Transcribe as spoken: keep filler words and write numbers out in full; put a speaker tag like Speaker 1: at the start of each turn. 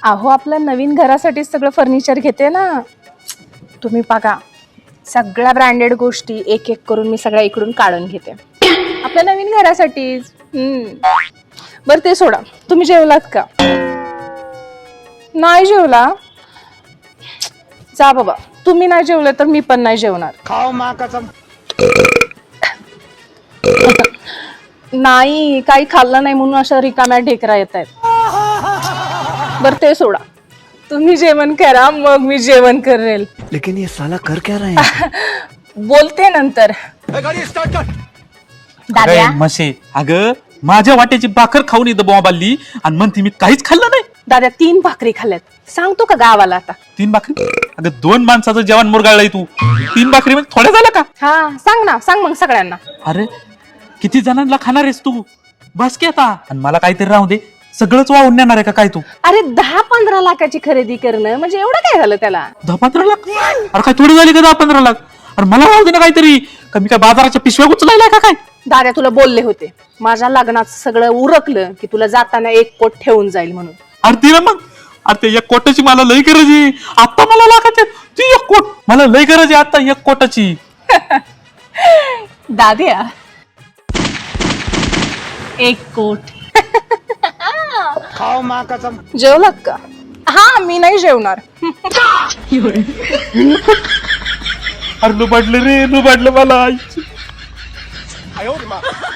Speaker 1: अहो आपल्या नवीन घरासाठी सगळं फर्निचर घेते ना तुम्ही बघा सगळ्या ब्रँडेड गोष्टी एक एक करून मी सगळ्या इकडून काढून घेते आपल्या नवीन घरासाठीच. हम्म बरं ते सोडा, तुम्ही जेवलात का? नाही जेवला? जा बाबा, तुम्ही नाही जेवले तर मी पण नाही जेवणार.
Speaker 2: खाओ माँ कसम.
Speaker 1: नाही काही खाल्लं नाही म्हणून अशा रिकाम्या ढेकरा येत आहेत. बरं ते सोडा, तुम्ही जेवण करा मग मी जेवण करेल.
Speaker 2: लेकिन ये साला कर क्या रहे हैं?
Speaker 1: बोलते नंतर.
Speaker 2: गाड़ी स्टार्ट कर.
Speaker 1: दाद्या
Speaker 3: मशे अगं माझ्या वाट्याची भाकर खाऊन येतं बॉम्बाली आणि म्हणते मी काहीच खाल्लं नाही.
Speaker 1: दाद्या तीन भाकरी खाल्ल्यात सांगतो का गावाला आता?
Speaker 3: तीन भाकरी? अगं दोन माणसाचं जेवण मुरगाळलंय तू, तीन भाकरी म्हणजे थोड्या झालं का?
Speaker 1: हा सांग ना, सांग मग सगळ्यांना.
Speaker 3: अरे किती जणांना खाणार आहेस तू? बस की आता. आणि मला काहीतरी राहू दे, सगळंच वाहून नेणार आहे का काय तू?
Speaker 1: अरे दहा पंधरा लाखाची खरेदी करणं म्हणजे एवढं काय झालं त्याला?
Speaker 3: दहा पंधरा लाख? अरे काय थोडी झाली का दहा पंधरा लाख? अरे मला राहू दे ना काहीतरी. का मी काय बाजाराच्या पिशव्या उचलायला का काय?
Speaker 1: दाद्या तुला बोलले होते माझ्या लग्नात सगळं उरकलं की तुला जाताना एक कोट ठेवून जाईल म्हणून.
Speaker 3: अरे ती ना मग, अरे ते एक कोटाची मला लई गरज आहे आता. मला लाखाची ती एक कोट मला लई गरज आहे आता एक कोटाची.
Speaker 1: दाद्या एक कोट.
Speaker 2: खाओ माँ कसम.
Speaker 1: जेवलात का? हा मी नाही जेवणार.
Speaker 3: अरे लुबाडलं रे, लुबाडलं मला.
Speaker 2: आयो रे माँ.